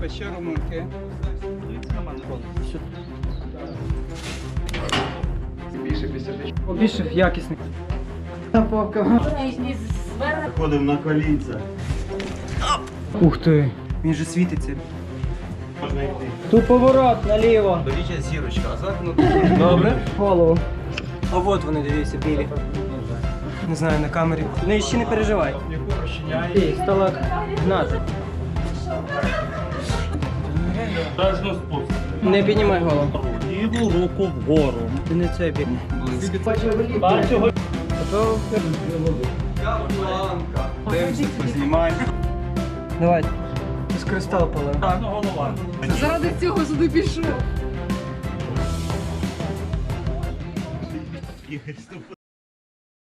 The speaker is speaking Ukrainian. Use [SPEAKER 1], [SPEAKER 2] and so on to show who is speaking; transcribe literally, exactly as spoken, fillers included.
[SPEAKER 1] печеру муки.
[SPEAKER 2] Більше якісний.
[SPEAKER 3] Ходимо на колінця.
[SPEAKER 2] Ух ти, він же світиться.
[SPEAKER 3] Можна йти.
[SPEAKER 2] Тут поворот наліво.
[SPEAKER 3] Беріть зірочка, а зараз ну
[SPEAKER 2] Добре. Голову. А от вони, дивіться, білі. Не знаю, на камері. Ну ще не переживай. Ей, сталак. Гнати.
[SPEAKER 4] Дажно спуск.
[SPEAKER 2] Не піднімай голову.
[SPEAKER 4] Ліву руку вгору.
[SPEAKER 2] Ти не це бік.
[SPEAKER 4] Бачу,
[SPEAKER 2] Готово?
[SPEAKER 1] Дивимося, познімаємо.
[SPEAKER 2] Давай. З кристал палив.
[SPEAKER 4] голова.
[SPEAKER 5] Заради цього сюди пішов.